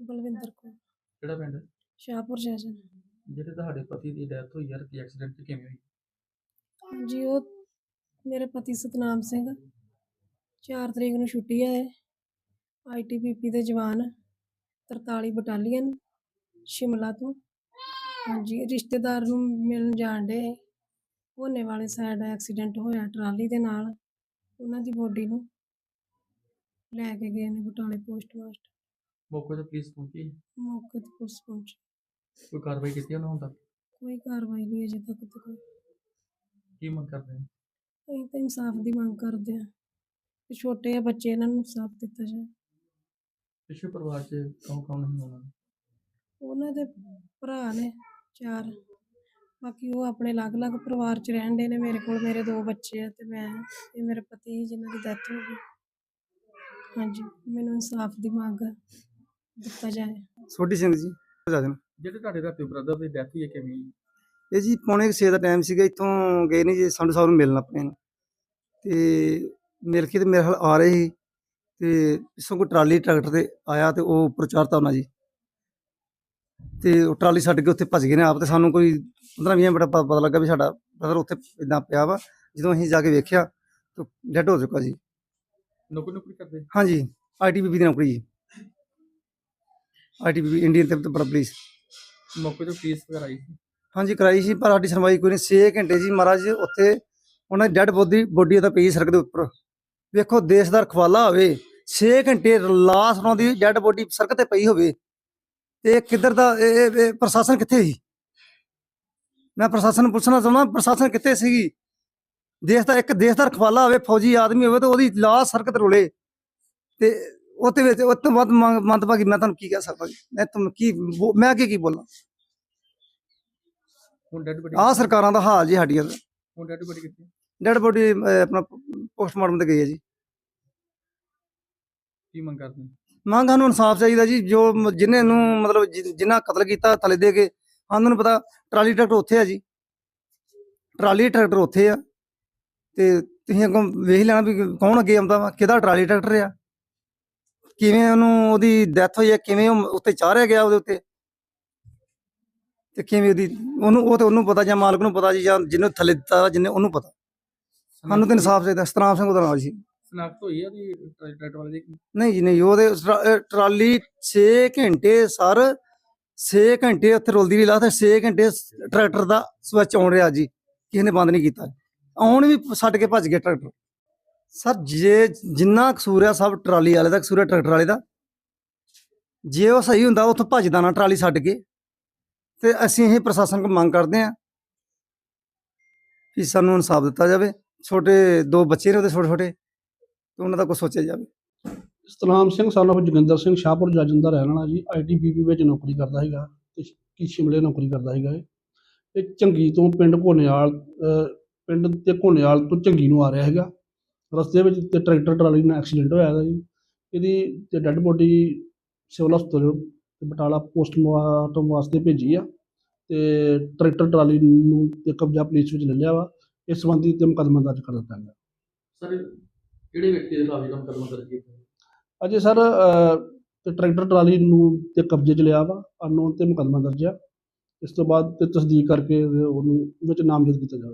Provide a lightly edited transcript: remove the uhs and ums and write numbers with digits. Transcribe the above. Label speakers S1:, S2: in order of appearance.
S1: ਬਲਵਿੰਦਰ ਕੌਰ,
S2: ਕਿਹੜਾ ਪਿੰਡ?
S1: ਸ਼ਾਹਪੁਰ ਜੈਸਨ।
S2: ਜਿਹੜੇ ਤੁਹਾਡੇ ਪਤੀ ਦੀ ਡੈਥ ਹੋਈ ਯਾਰ, ਕੀ ਐਕਸੀਡੈਂਟ ਕਿਵੇਂ ਹੋਈ?
S1: ਹਾਂਜੀ, ਉਹ ਮੇਰੇ ਪਤੀ ਸਤਨਾਮ ਸਿੰਘ 4 ਤਰੀਕ ਨੂੰ ਛੁੱਟੀ ਆਏ, ITBP ਦੇ ਜਵਾਨ 43 ਬਟਾਲੀਅਨ ਸ਼ਿਮਲਾ ਤੋਂ। ਹਾਂਜੀ, ਰਿਸ਼ਤੇਦਾਰ ਨੂੰ ਮਿਲਣ ਜਾਣ ਡੇ, ਹੋਨੇ ਵਾਲੇ ਸਾਈਡ ਐਕਸੀਡੈਂਟ ਹੋਇਆ ਟਰਾਲੀ ਦੇ ਨਾਲ। ਉਹਨਾਂ ਦੀ ਬੋਡੀ ਨੂੰ ਲੈ ਕੇ ਗਏ ਨੇ ਬਟਾਲੇ ਪੋਸਟਮਾਸਟਰ।
S2: ਮੌਕੇ ਤੇ ਪੁਲਿਸ ਪਹੁੰਚੀ?
S1: ਮੌਕੇ ਤੇ ਪੁਲਿਸ ਪਹੁੰਚੀ।
S2: ਕੋਈ ਕਾਰਵਾਈ ਕੀਤੀ ਉਹਨਾਂ ਹੁਣ ਤੱਕ?
S1: ਕੋਈ ਕਾਰਵਾਈ ਨਹੀਂ ਅਜੇ ਤੱਕ ਤੇ ਕੋਈ।
S2: ਕੀ ਮੰਗ ਕਰਦੇ ਨੇ?
S1: ਅਸੀਂ ਤਾਂ ਇਨਸਾਫ ਦੀ ਮੰਗ ਕਰਦੇ ਹਾਂ ਕਿ ਛੋਟੇ ਆ ਬੱਚੇ, ਇਹਨਾਂ ਨੂੰ ਇਨਸਾਫ ਦਿੱਤਾ ਜਾਏ।
S2: ਪਿਛਲੇ ਪਰਿਵਾਰ 'ਚ ਕੌਣ ਨਹੀਂ ਹੋਣਾ?
S1: ਉਹਨਾਂ ਦੇ ਭਰਾ ਨੇ 4, ਬਾਕੀ ਉਹ ਆਪਣੇ ਅਲੱਗ-ਅਲੱਗ ਪਰਿਵਾਰ 'ਚ ਰਹਿਣ ਡੇ ਨੇ। ਮੇਰੇ ਕੋਲ ਮੇਰੇ 2 ਬੱਚੇ ਆ ਤੇ ਮੈਂ ਤੇ ਮੇਰੇ ਪਤੀ ਜਿਨ੍ਹਾਂ ਦੀ ਡੈਥ ਹੋ ਗਈ। ਹਾਂਜੀ, ਮੈਨੂੰ ਇਨਸਾਫ ਦੀ ਮੰਗ ਦਿੱਤਾ ਜਾਏ।
S3: ਸੋਢੀ ਸਿੰਘ ਜੀ ਰਾਜਨ।
S2: ਜਿਹੜੇ ਤੁਹਾਡੇ ਰਾਤੀ ਬ੍ਰਦਰ ਦੀ ਡੈਥ ਹੋਈ ਹੈ, ਕਿਵੇਂ ਹੋਈ?
S3: ਇਹ ਜੀ 5:30 ਦਾ ਟਾਈਮ ਸੀਗਾ, ਇੱਥੋਂ ਗਏ ਨੇ ਜੀ ਸੰਧੂ ਸਾਹਿਬ ਨੂੰ ਮਿਲਣ ਆਪਣੇ ਨੂੰ, ਤੇ ਮਿਲ ਕੇ ਤੇ ਮੇਰੇ ਨਾਲ ਆ ਰਹੇ ਸੀ ਤੇ ਪਿੱਛੋਂ ਕੋਈ ਟਰਾਲੀ ਟਰੈਕਟਰ ਤੇ ਆਇਆ ਤੇ ਉਹ ਉੱਪਰ ਚੜ੍ਹਤਾ ਉਹਨਾਂ ਜੀ, ਤੇ ਉਹ ਟਰਾਲੀ ਛੱਡ ਕੇ ਉੱਥੇ ਭੱਜ ਗਏ ਨੇ ਆਪ। ਤੇ ਸਾਨੂੰ ਕੋਈ 15-20 ਮਿੰਟ ਪਤਾ ਲੱਗਾ ਵੀ ਸਾਡਾ ਬ੍ਰਦਰ ਉੱਥੇ ਇੱਦਾਂ ਪਿਆ ਵਾ। ਜਦੋਂ ਅਸੀਂ ਜਾ ਕੇ ਵੇਖਿਆ ਤਾਂ ਡੈਡ ਹੋ ਚੁੱਕਾ ਜੀ।
S2: ਨੌਕਰੀ ਕਰਦੇ?
S3: ਹਾਂਜੀ, ITBP ਦੀ ਨੌਕਰੀ ਜੀ, ITBP ਇੰਡੀਅਨ ਤਿੱਬਤ ਪੁਲਿਸ।
S2: ਮੌਕੇ ਤੇ ਪੁਲਿਸ ਵਗੈਰਾ ਆਈ ਸੀ?
S3: ਹਾਂਜੀ, ਕਰਾਈ ਸੀ, ਪਰ ਸਾਡੀ ਸੁਣਵਾਈ ਕੋਈ ਨਹੀਂ। 6 ਘੰਟੇ ਜੀ ਮਹਾਰਾਜ ਉੱਥੇ ਉਹਨਾਂ ਦੀ ਡੈਡ ਬੋਡੀ ਤਾਂ ਪਈ ਸੜਕ ਦੇ ਉੱਪਰ। ਵੇਖੋ, ਦੇਸ਼ ਦਾ ਰਖਵਾਲਾ ਹੋਵੇ, 6 ਘੰਟੇ ਲਾਸ਼ ਉਹਨਾਂ ਦੀ ਡੈਡ ਬੋਡੀ ਸੜਕ ਤੇ ਪਈ ਹੋਵੇ, ਤੇ ਕਿੱਧਰ ਦਾ ਇਹ ਪ੍ਰਸ਼ਾਸਨ ਕਿੱਥੇ ਸੀ? ਮੈਂ ਪ੍ਰਸ਼ਾਸਨ ਨੂੰ ਪੁੱਛਣਾ ਚਾਹੁੰਦਾ, ਪ੍ਰਸ਼ਾਸਨ ਕਿੱਥੇ ਸੀਗੀ? ਇੱਕ ਦੇਸ਼ ਦਾ ਰਖਵਾਲਾ ਹੋਵੇ, ਫੌਜੀ ਆਦਮੀ ਹੋਵੇ, ਤੇ ਉਹਦੀ ਲਾਸ਼ ਸੜਕ ਤੇ ਰੁਲੇ, ਤੇ ਉਹਦੇ ਵਿੱਚ ਉਸ ਤੋਂ ਵੱਧ ਮੰਦਭਾਗੀ ਮੈਂ ਤੁਹਾਨੂੰ ਕੀ ਕਹਿ ਸਕਦਾ ਜੀ? ਮੈਂ ਕੀ ਬੋਲਾਂ?
S2: ਹੁਣ ਡੈਡ ਬੋਡੀ?
S3: ਆਹ ਸਰਕਾਰਾਂ ਦਾ ਹਾਲ ਜੀ ਸਾਡੀਆਂ ਦਾ।
S2: ਹੁਣ ਡੈਡ ਬੋਡੀ ਕਿੱਥੇ?
S3: ਡੈਡ ਬੋਡੀ ਆਪਣਾ ਪੋਸਟਮਾਰਟਮ ਤੇ ਗਈ ਹੈ ਜੀ।
S2: ਕੀ ਮੰਗ ਕਰਦੇ ਨੇ?
S3: ਮੰਗ ਸਾਨੂੰ ਇਨਸਾਫ ਚਾਹੀਦਾ ਜੀ। ਜੋ ਜਿਹਨੇ ਨੂੰ ਮਤਲਬ ਜਿਨ੍ਹਾਂ ਕਤਲ ਕੀਤਾ ਥਲੇ ਦੇ ਕੇ, ਸਾਨੂੰ ਨੂੰ ਪਤਾ ਟਰਾਲੀ ਟਰੈਕਟਰ ਉੱਥੇ ਆ ਜੀ, ਟਰਾਲੀ ਟਰੈਕਟਰ ਉੱਥੇ ਆ, ਤੇ ਤੁਸੀਂ ਅੱਗੋਂ ਵੇਖ ਲੈਣਾ ਵੀ ਕੌਣ ਅੱਗੇ ਆਉਂਦਾ ਵਾ, ਕਿਹਦਾ ਟਰਾਲੀ ਟਰੈਕਟਰ ਆ, ਕਿਵੇਂ ਉਹਦੀ ਡੈਥ ਹੋਈ ਹੈ, ਕਿਵੇਂ ਉਹ ਉੱਤੇ ਚਾੜਿਆ ਗਿਆ ਉਹਦੇ ਉੱਤੇ, ਤੇ ਕਿਵੇਂ ਉਹਨੂੰ ਪਤਾ, ਜਾਂ ਮਾਲਕ ਨੂੰ ਪਤਾ ਜੀ, ਜਾਂ ਜਿਹਨੂੰ ਥੱਲੇ ਦਿੱਤਾ ਜਿਹਨੇ ਉਹਨੂੰ ਪਤਾ। ਸਾਨੂੰ ਤਾਂ ਇਨਸਾਫ ਚਾਹੀਦਾ। ਸਤਨਾਮ ਸਿੰਘ ਉਹਦਾ ਨਾਮ ਜੀ।
S2: ਸ਼ਨਾਖਤ ਹੋਈ ਆ ਉਹਦੀ ਟਰੈਕਟਰ ਵਾਲੇ ਦੀ?
S3: ਨਹੀਂ ਜੀ, ਨਹੀਂ। ਉਹਦੇ ਟਰਾਲੀ 6 ਘੰਟੇ ਸਰ, 6 ਘੰਟੇ ਉੱਥੇ ਰੁਲਦੀ ਰਹੀ ਲਾ, ਤੇ 6 ਘੰਟੇ ਟਰੈਕਟਰ ਦਾ ਸਵਿਚ ਆਉਣ ਰਿਹਾ ਜੀ, ਕਿਸੇ ਨੇ ਬੰਦ ਨਹੀਂ ਕੀਤਾ। ਆਉਣ ਵੀ ਛੱਡ ਕੇ ਭੱਜ ਗਏ ਟਰੈਕਟਰ। ਸਰ, ਜਿੰਨਾ ਕਸੂਰ ਆ ਸਭ ਟਰਾਲੀ ਵਾਲੇ ਦਾ ਕਸੂਰ ਆ, ਟਰੈਕਟਰ ਵਾਲੇ ਦਾ। ਜੇ ਉਹ ਸਹੀ ਹੁੰਦਾ ਉੱਥੋਂ ਭੱਜਦਾ ਨਾ ਟਰਾਲੀ ਛੱਡ ਕੇ। ਤੇ ਅਸੀਂ ਇਹ ਪ੍ਰਸ਼ਾਸਨ ਕੋਲ ਮੰਗ ਕਰਦੇ ਹਾਂ ਕਿ ਸਾਨੂੰ ਇਨਸਾਫ ਦਿੱਤਾ ਜਾਵੇ। ਛੋਟੇ 2 ਬੱਚੇ ਨੇ ਉਹਦੇ, ਛੋਟੇ, ਤੇ ਉਹਨਾਂ ਦਾ ਕੁਛ ਸੋਚਿਆ ਜਾਵੇ।
S4: ਸਤਨਾਮ ਸਿੰਘ son of ਜੋਗਿੰਦਰ ਸਿੰਘ ਸ਼ਾਹਪੁਰ ਜੱਜਨ ਦਾ ਰਹਿਣ ਵਾਲਾ ਜੀ। ITBP ਵਿੱਚ ਨੌਕਰੀ ਕਰਦਾ ਸੀਗਾ, ਤੇ ਸ਼ਿਮਲੇ ਨੌਕਰੀ ਕਰਦਾ ਸੀਗਾ। ਇਹ ਝੰਗੀ ਤੋਂ ਪਿੰਡ ਘੋਨੇਵਾਲ ਤੋਂ ਝੰਗੀ ਨੂੰ ਆ ਰਿਹਾ ਹੈਗਾ। ਰਸਤੇ ਵਿੱਚ ਤੇ ਟਰੈਕਟਰ ਟਰਾਲੀ ਨਾਲ ਐਕਸੀਡੈਂਟ ਹੋਇਆ ਹੈਗਾ ਜੀ। ਇਹਦੀ ਤੇ ਡੈਡ ਬੋਡੀ ਸਿਵਲ ਹਸਪਤਾਲ ਬਟਾਲਾ ਪੋਸਟਮਾਰਟਮ ਵਾਸਤੇ ਭੇਜੀ ਆ, ਤੇ ਟਰੈਕਟਰ ਟਰਾਲੀ ਨੂੰ ਤੇ ਕਬਜ਼ਾ ਪੁਲਿਸ ਵਿੱਚ ਲੈ ਲਿਆ ਵਾ। ਇਸ ਸੰਬੰਧੀ ਤੇ ਮੁਕੱਦਮਾ ਦਰਜ ਕਰ ਦਿੱਤਾ ਗਿਆ।
S2: ਸਰ, ਕਿਹੜੇ ਵਿਅਕਤੀ ਦੇ ਖਿਲਾਫ ਮੁਕੱਦਮਾ ਦਰਜ ਕੀਤਾ?
S4: ਅਜੇ ਸਰ ਤੇ ਟਰੈਕਟਰ ਟਰਾਲੀ ਨੂੰ ਤੇ ਕਬਜ਼ੇ 'ਚ ਲਿਆ ਵਾ, ਅਨਨੋਨ ਤੇ ਮੁਕੱਦਮਾ ਦਰਜ ਆ। ਇਸ ਤੋਂ ਬਾਅਦ ਤੇ ਤਸਦੀਕ ਕਰਕੇ ਉਹਨੂੰ ਵਿੱਚ ਨਾਮਜ਼ਦ ਕੀਤਾ ਜਾਵੇ।